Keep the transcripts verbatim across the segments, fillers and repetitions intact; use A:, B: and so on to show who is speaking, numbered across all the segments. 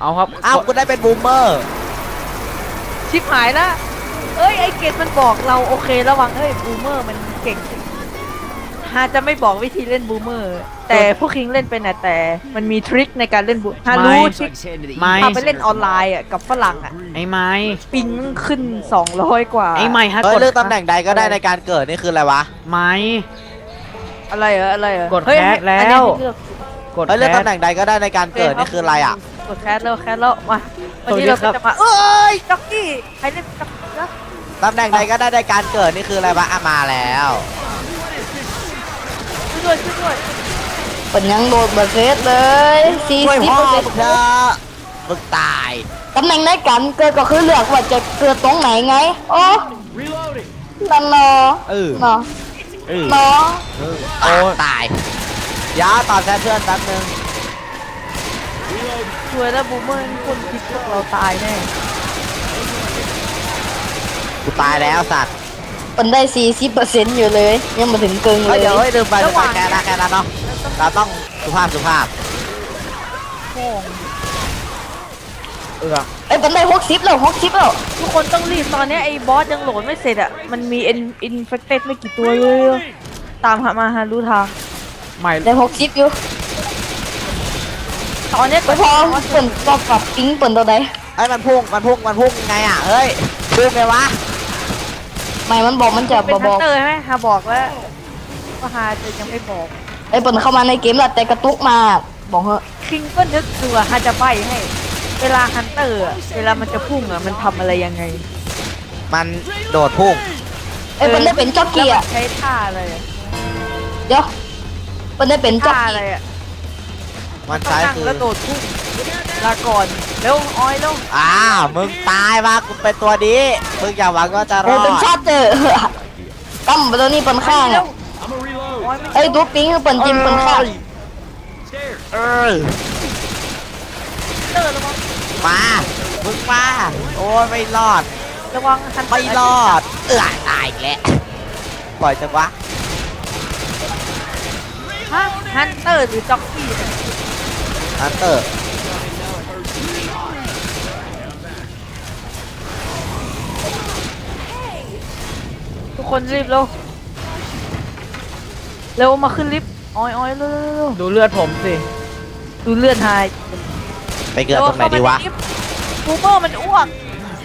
A: เอาครับ
B: อ้าวกูได้เป็นบูมเมอร์
C: ชิบหายละเอ้ยไอเกตมันบอกเราโอเคระวังเฮ้ยบูมเมอร์มันเก่งฮาจะไม่บอกวิธีเล่นบูมเมอร์แต่พวกคิงเล่นเป็นนะแต่มันมีทริคในการเล่นบูฮารู้ทริค
A: ไม่
C: พาไปเล่นออนไลน์อ่ะกับฝรั่งอ่ะ
A: ไอ้ไม้
C: ปิงขึ้นสองร้อยกว่า
A: ไอ้ไม้ฮะ
B: เฮ้ย
A: กด
B: เลือกตำแหน่งใดก็ได้ในการเกิดนี่คืออะไรวะ
A: ไม้
C: อะไรเหรออะไรเหรอก
A: ด
C: เฮ้ย
A: แคสแล้ว
C: อันนี้ให้เลือก
A: กด
B: เฮ้ยเลือก
A: แค
B: ตำ
A: ส
B: แหน่งใดก็ได้ในการเกิดนี่คืออะไรอ่ะ
C: กดแคสแล้วแคสแล้วมาวันนี้
A: สวั
C: เรา
A: สดีครับ
C: ก็จะมาเอ้ยจ็อกกี้ใครเล่นจ็อกกี้นะ
B: ตำแหน่งใดก็ได้ในการเกิดนี่คืออะไรวะอ่ะมาแล้ว
C: ช่วยด้วยช่วยด้วย
D: เป็นยังโดดเบอร์เซสเลยสี่
B: ช่วย
D: สิบ
B: พ่อ
D: เปอร์เซ็น
B: มึง
D: ต์
B: เถอะมึงตาย
D: ตำแหน่งในการเกิดก็คือเลือกว่าจะเกิดตรงไหนไงโอ้นั่นเนาะ
B: เออ
D: เนาะ
B: เออ
D: เนาะ
B: เออโอ้ตายยาตอบแทนเพื่อนแป๊บนึง
C: ช่วยแล้วบูมเมอร์คนคิดพวกเราตายแน่
B: กูตายแล้วสัตว์
D: เป็นได้สี่สิบเปอร์เซ็นต์อยู่เลยยังมาถึงเกินเล
B: เฮ้ย
D: ย
B: เดี๋ยวเฮ้ยลืมไปลืมไปแกนะแกนะเนาะเราต้องสุภาพสุภาพ
C: โง่ง
B: เออ
D: เอ้ยเป็นได้หกสิบแล้วหกสิบแล้ว
C: ทุกคนต้องรีบตอนนี้ไอ้บอสยังโหลดไม่เสร็จอ่ะมันมีอินอินเฟคเต็ดไม่กี่ตัวเลยอะตามหามาหารู้ทาง
A: ไม่
D: ได้หกสิบอยู่
C: ตอนนี้
D: ไปพอเปิดก็ปรับปิ้งเปิดตัวใด
B: ไอ้ยมันพุ่งมันพุ่งมันพุ่งไงอ่ะเฮ้ยพุ่งไงวะ
D: ไม่มันบอกมันจะ
C: เป็น
D: บ
C: ฮั
D: อน ก
C: เตอร์ใช่ไหมฮาบอกแล้วว่าฮาจะยังไม่บอก
D: ไอ้เปิดเข้ามาในเกมแล้วแต่กระตุกมาบอกเหอะ
C: คิงก็นึกดูอะฮาจะใบให้ เวลาฮันเตอร์อะเวลามันจะพุ่งอะมันทำอะไรยังไง
B: มันโดดพุ่ง
D: ไอ้เปิดได้เป็นจ็อกกี้
C: แล้ว
D: อ่ะ
C: มันใช้ท่าอะไรอะ
D: เดี๋ยวเปิดได้เป็นจ็อก
C: ท่า
D: กี้
C: อะไรอะ
B: มัน
C: ต้อง
B: ใช้
C: นั่ง
B: คือ
C: แล้วโดดพุ่งลาก่อนเร็วออยเร็ว
B: อ้าวมึงตายมากูเป็นตัวดีมึงอย่าหวังว่าจะร
D: เอ
B: อ
D: อ
B: ด
D: เป็นชาติเจอตั้มไปตัวนี้เปิดข้าง
C: เร็
D: อ่ะ
C: วออยไม่
D: ไอ้ตัวปิ้งคือเปิดจิมเปิดข้าง
B: เออ
C: เตอร์ระวัง
B: มามึงมาโอ้ยไม่รอด
C: ระวังฮันเตอ
B: ไม่
C: ร์
B: รอดเออตายอีกแล้วปล่อยจังวะ
C: ฮะฮันเตอร์หรือจ็อกกี้เนี่ย
B: ฮันเตอร์
C: ทุกคนรีบเร็วเร็วมาขึ้นลิฟต์ออยออยเร็วเร็วเร็ว
A: ดูเลือดผมสิ
C: ดูเลือดหาย
B: ไปเกิดตรงไหนดีวะ
C: บูเมอร์มันอ้วก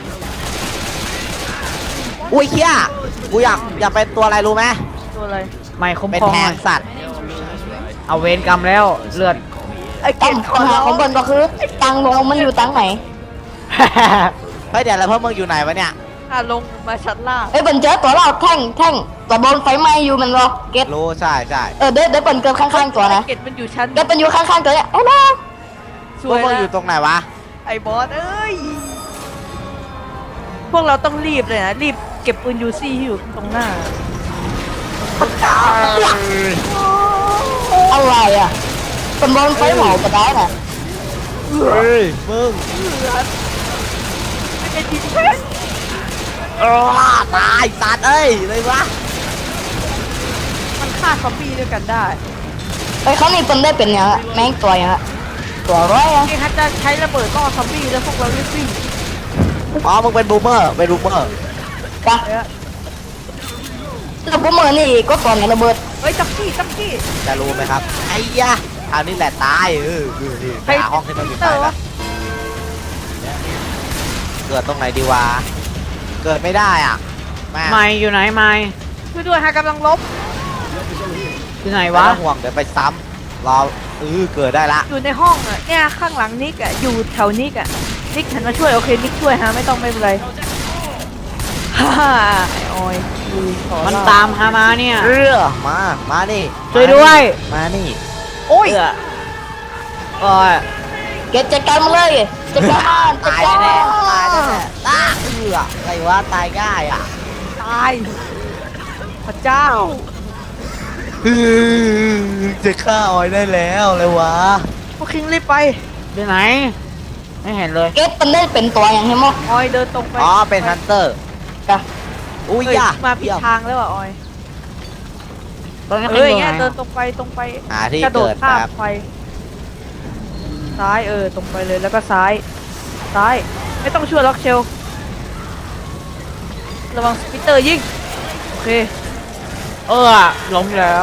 B: อุ้ยเฮียกูอยากอยากเป็นตัวอะไรรู้ไหม
C: ตัวอะไร
A: ไม่คุ้ม
B: เป็น
A: ครอง
B: แท
A: หน่
B: ง
A: อย
B: สัตว์
A: เอาเวรกรรมแล้วเลือด
C: ไอ้เก
D: ตั้ม
C: ตขอ
D: ปัญหา
C: ร้อ
D: ของ
C: ง
D: เปิดก็คือตังค์ลงมันอยู่ตังค์ไหน
B: เฮ้ยเดี๋ยวแล้วเพิ่มมึงอยู่ไหนวะเนี่ย
C: อ่ะลงมาชั้นล่าง
D: ไอ้ยเปิดเจอตัวเราแท่งแท่งตัวโดนไฟไหม้อยู่มันรอเก็ต
B: รู้ใช่ใช่
D: เออเดี๋ยวเดี๋ยวเปิดเกินข้างๆตัวนะ
C: ไอ้เกตมันอยู่ชั้น
D: เก็ตเป็นอยู่ข้างๆตัวเนี่ยไอ้น้อง
C: ส
B: พว
C: ว
B: ก
C: ย
B: มึง
C: นะ
B: อยู่ตรงไหนวะ
C: ไอ้บอสเอ้ยพวกเราต้องรีบเลยนะรีบเก็บปืนยูซี่ที่อยู่ตรงหน้า
D: อะไรอ่ะเป็นโดนไฟเผาก็ได้น่ะ
B: เฮ้ยมึง
C: ไม่เป็นทีมเพชร
B: เออตายสัตว์เอ้ยเลยวะ
C: มันฆ่าซอมบี้ด้วยกันได้
D: ไอ้ยเขานี่เป็นได้เป็นยังอะแม่งตัวยังอะตัวร้อยอ่ะ
C: ไอ้ฮัทจะใช้ระเบิดล่อซอมบี้แล้วพวกเรารีบวิ่ง
B: อ๋อมึงเป็นบูมเมอร์เป็นบูมเมอร์
D: กะ
C: เอ้ย
D: แล้วพวกมือนี่ก็ตอนไงระเบิด
C: เฮ้ยจ็อกกี้จ็อกกี้
B: จะรู้ไหมครับไอ้ยะคราวนี้แหละตายเออเออเออไปหาห้องที่มันอยู่ใต้ละเกิดตรงไหนดีวะเกิดไม่ได้อ่ะแม่
A: ไม่อยู่ไหนไม่
C: ช่วยด้วยฮะกำลังลบ
A: อยู่ไหน
B: ไม่
A: วะ
B: ต้องห่วงเดี๋ยวไปซ้ำรอเออเกิดได้ละ
C: อยู่ในห้องอ่ะเนี่ยข้างหลังนิกอ่ะอยู่แถวนิกอ่ะนิกหันมาช่วยโอเคนิกช่วยฮะไม่ต้องไม่เป็นไรฮ่าฮ่าไอ้ออยดูขอ
A: มัน
C: เล่
A: ตามหามาเนี่ย
B: เออมามานี่
A: ช่วยด้วย
B: มานี่
C: โอ้ย
A: เอือโอ้ย
D: เก็ตจัดการมาเลยจัดการมันจัด
B: ตาย
D: การ
B: แน่ๆตายแน่ๆตายเอออะไรวะตายง่ายอ่ะ
C: ตายพระเจ้า
B: จะฆ่าออยได้แล้วเลยวะ
C: พวกคิงรีบไป
A: อยู่ไหน ไม่เห็นเลย
D: เก็ตเป็นได้เป็นตัวอย่างเห็นมั้ย
C: ออยเดินตรงไป
B: อ๋อเป็นฮันเตอร์
D: กะ
B: อุ้ย
C: เฮ้ย
B: ยะ
C: มาผิดทางแล้วอ่ะออย
A: ตอนนี้
C: เอ
A: ใคร
C: อ
A: อยู่
C: เงี้ย
A: ไหน
C: เดินตรงไปตรงไป
B: หาที่
C: กระโดด
B: เกิด
C: ข้าม
B: ครับ
C: ไปซ้ายเออตรงไปเลยแล้วก็ซ้ายซ้ายไม่ต้องช่วยล็อกเชลระวังสปิตเตอร์ยิงโอเค
A: เออล้มแล้ว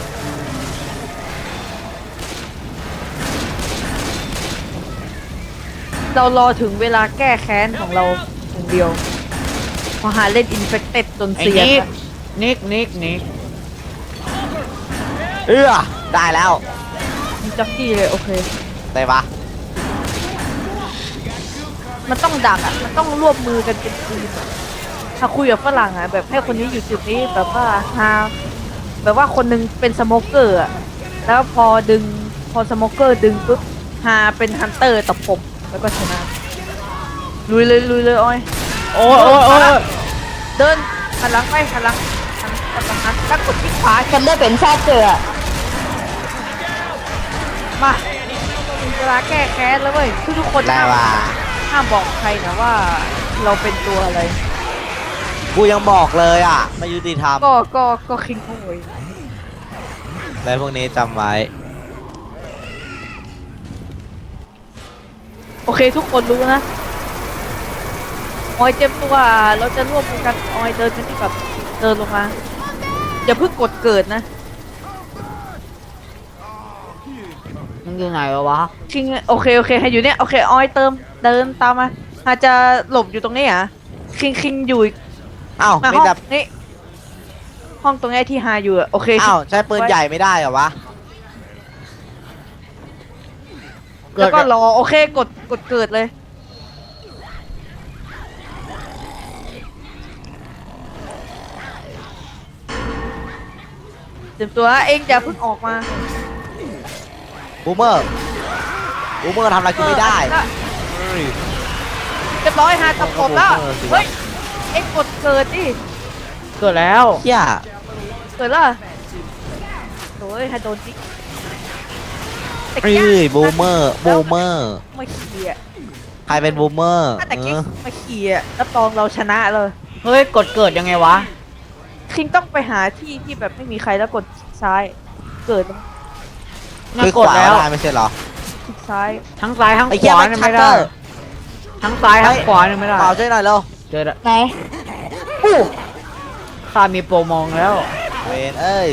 C: เรารอถึงเวลาแก้แค้นของเราอย่างเดียวพอหาเล่นอินเฟคเต็ดจน
A: ไอ้
C: เสีย
A: นิก
C: นะ
A: นิกนิกนิก
B: เอื้อได้แล้ว
C: มีจ็อกกี้เลยโอเค
B: ได้ปะ
C: มันต้องดักอ่ะมันต้องร่วมมือกันเป็นทีมอะถ้าคุยกับฝรั่งอ่ะแบบให้คนนี้อยู่จุดนี้แบบว่าฮาแบบว่าคนหนึงเป็นสโมเกอร์อ่ะแล้วพอดึงพอสโมเกอร์ดึงปุ๊บฮาเป็นฮันเตอร์ตบผมแล้วก็ชนะลุยเลยลุยเลยอ้อย
A: โอ้ยโอ้ยโอ้ย
C: เดินหันหลังไปหันหลังหันหันหลังหันแล้วกดคลิกขวา
D: ฉันได้เป็นชาติเจออะ
C: มาถึงเวลาแก้แค้นแล้วเว้ยทุกทุกๆคน
B: ได้
C: ห้าม
B: ว่ะ
C: ห้ามบอกใครนะว่าเราเป็นตัวอะไร
B: กูยังบอกเลยอ่ะไม่ยุติธรรม
C: ก็ก็ก็คิงโวย
B: อะไรพวกนี้จำไว้
C: โอเคทุกคนรู้นะออยเจ็บตัวเราจะร่วมมือกันออยเดินไปที่แบบเดินลงมาอย่าเพิ่งกดเกิดนะ
A: มันอยู่ไหนวะ
C: คิงโอเคโอเคให้อยู่เนี่ยโอเคออยเติมเดินตามมาอาจจะหลบอยู่ตรงนี้อ่ะคิงคิงอยู่
B: อ้าว
C: มา
B: มี
C: ห้อง
B: แต่
C: นี่ห้องตรงนี้ที่ฮาอยู่อะโอเค
B: อ้าวใช้ปืนใหญ่ไม่ได้เหรอวะ
C: แล้วก็รอโอเคกดกดเกิดเลยเตรียมตัวนะเองอย่าเพิ่งออกมา
B: บูมเมอร์บูมเมอร์ทำอะไรกูไม่ได้
C: เออเรียบร้อยฮาจับผมแล้ว
B: เออสิวะ
C: เฮ้ยเอ็งกดเกิดดิ
A: เกิดแล้ว
B: เฮีย
C: เกิดแล้วโอ้ยฮาโดนจิกแต่
B: เอ้
C: แก้
B: ยบูมเมอร์บูมเมอร์
C: มาขี่อ่ะ
B: ใครเป็นบูมเมอร์
C: ถ้าแต่
B: เอ
C: กิ๊ก
B: อ
C: มาขี่อ่ะรับรองเราชนะเลย
A: เฮ้ยกดเกิดยังไงวะ
C: คิงต้องไปหาที่ที่แบบไม่มีใครแล้วกดคลิกซ้าย เกิด
A: น่า
B: คือก
A: ด
B: ขวา
A: แล้ว
B: ได้ไม่ใช่เหรอ
C: คลิกซ้าย
A: ทั้งซ้ายทั้ง
B: ไอ้
A: ข
B: เหี้ยว
A: า
B: มัน
A: เนี่ย
B: ชั
A: ไม่
B: ตเต
A: ได้
B: อร์
A: ทั้งซ้ายทั้งขวาเนี่ยไม่ได้
B: เปล่าช่วยหน่อยเร็ว
A: เจอแล้ว
D: ไหนอู้
A: ข้ามีโปรมองแล้ว
B: เวนเอ้ย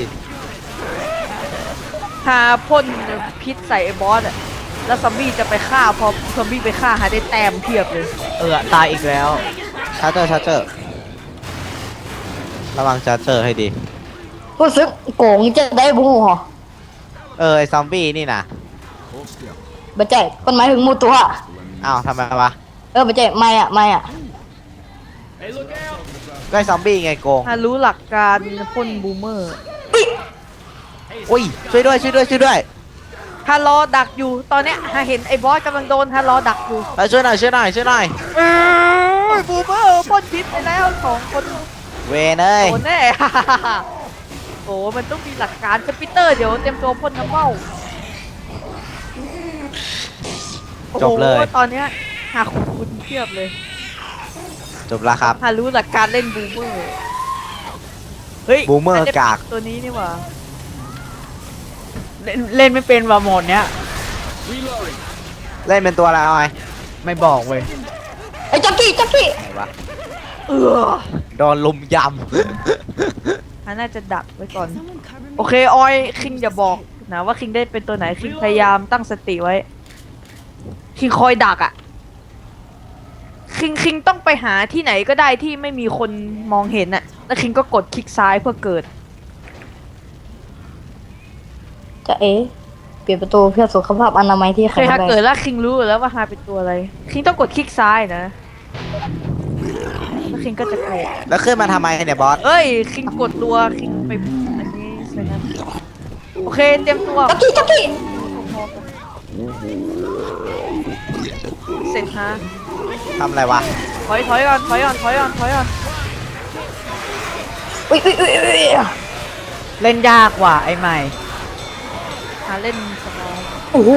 C: ถ้าพ่นพิษใส่ไอ้บอสอ่ะ แล้วซอมบี้จะไปฆ่าพอซอมบี้ไปฆ่าหาได้แต้มเพียบเลย
A: เออตายอีกแล้ว
B: ชาร์เจอร์ชาร์เจอร์ระวังชาร์เจอร์ให้ดี
D: รู้สึกโกงจะได้บูเหรอ
B: เออไอซอมบี้นี่นะ
D: บัจเจคนหมายถึงหมูตัว
B: อ้าวทำไมวะ
D: เออบัจเจไม่อะไม่อะ
B: ก็ไอซอมบี้ไงโกง
C: ถ้ารู้หลักการพ่นบูมเมอร์
B: อุ้ยช่วยด้วยช่วยด้วยช่วยด้วย
C: ถ้ารอดักอยู่ตอนเนี้ยถ้าเห็นไอ้บอสกำลังโดนถ้ารอดักอยู่
B: เออช่วยหน่อยช่วยหน่อยช่วยหน่อย
C: โอ้ยบูมเมอร์พ่นพิษไปแล้วสองคน
B: เวนเอ้ย
C: โดนแน่ โอ้มันต้องมีหลักการสปิเตอร์เดี๋ยวเตรียมตัวพ่นน้ำเบ้า
B: จบเลย
C: โอ้โหตอนเนี้ยหาคุณคุณเทียบเลย
B: จบแล้วครับ
C: หารู้หลักการเล่นบูมเมอร์เฮ้ย
B: บูมเมอร์
C: นจะ
B: กาก
C: ตัวนี้นี่หว่า
A: เล่นเล่นไม่เป็นว่าโหมดเนี้ย
B: เล่นเป็นตัวอะไรเอาไง
A: ไม่บอกเว้ย
D: ไอ้จ็อกกี้จ็อกกี้
B: ไหนวะ
C: เออ
B: โดนลุมย
C: อันน่าจะดักไว้ก่อน โอเคออยคิงอย่าบอกนะว่าคิงได้เป็นตัวไหนคิงพยายามตั้งสติไว้ คิงคอยดักอ่ะ คิงคิงต้องไปหาที่ไหนก็ได้ที่ไม่มีคนมองเห็นน่ะ แล้วคิงก็กดคลิกซ้ายเพื่อเกิด
D: จะเอ๋เปลี่ยนประตูเพื่อสุขภาพอนามัยที่
C: โอ
D: แข็
C: เค
D: ง
C: ถ้า
D: แรง
C: เกิดแล้วคิงรู้อยู่แล้วว่าฮาเป็นตัวอะไร คิงต้องกดคลิกซ้ายนะ แล้วคิงก็จะเกิด
B: ำแล้วขึ้นมาทำไมเนี่ยบอส
C: เอ้ย คิงกดตัวคิงไปอันนี้ใช่ไหมโอเคเตรียมตัว
D: จ็อกกี้จ็อกกี้
C: เสร็จฮะ
B: ทำอะไรวะ
C: ถอยถอยก่อนถอยก่อนถอยก่อนถอยก่อน
D: อุ้ยอุ้ยอุ้ยอุ้ย
A: เล่นยากกว่าไอ้ใหม่
C: หาเล่นสบาย
D: โอ้โห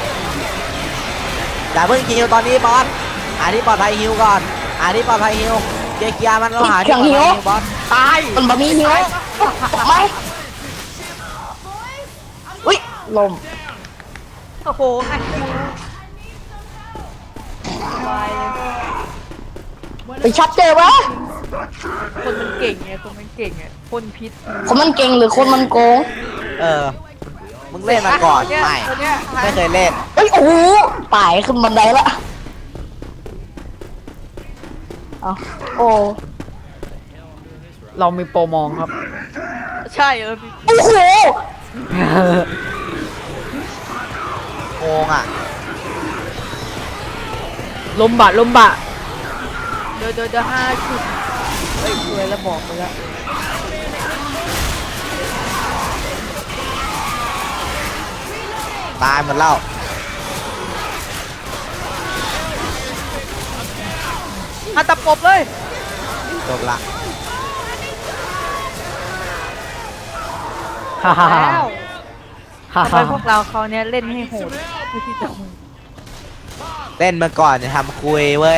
B: อย่าเพิ่งฮิวตอนนี้บอสหาที่ปลอดภัยฮิวก่อนหาที่ปลอดภัยฮิวเกียร์เกียร์มันเราหาที่ปลอดภัยฮิวบอส
C: ตาย
D: มันบะหมี่หิวไหมอุ้ยลม
C: โอ้โหไอ้คิว
D: ไปชัดเจอวะ
C: คนมันเก่งไงคนมันเก่งไงพ่นพิษ
D: คนมันเก่งหรือคนมันโกง
B: เออ มึงเล่นมาก่อน
C: เย
B: ไม่
C: ตัวเนี้ย
B: ไม่เคยเล่น
D: เอ้ยโอ้โหตายขึ้นบันไดละเอาโอ้
A: เรามีโปรมองครับ
C: ใช่เออพี่
D: โอ้โห
B: โกงอ่ะ
A: ลมบะลมบะ
C: เดี๋ยวเดี๋ยวเดี๋ยวห้าชุดเฮ้ยสวยแล้วบอกไปแล้ว
B: ตายหมดแล้ว
C: มาตะปบเลย
B: จบละ
A: ฮ่าฮ่าฮ่า
C: แล้ว
A: ฮ่า
C: ทำไม
A: ฮ่า
C: พวกเราเขาวเนี้ยเล่นให้โหดเพื่อที่จะโหด
B: เล่นมาก่อนจะทำคุยเว้ย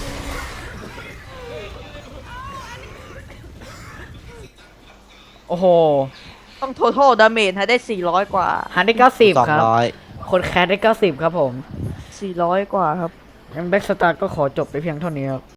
A: โอ้โห
C: ต้อง total damage ให้ได้สี่ร้อยกว่า
A: หันได้เก้าสิบ
B: สอง
A: ครับ
B: ร้อย
A: คนแคสได้เก้าสิบครับผม
C: สี่ร้อยกว่าครับ
A: งั้นแบ็กสตาร์ก็ขอจบไปเพียงเท่านี้ครับ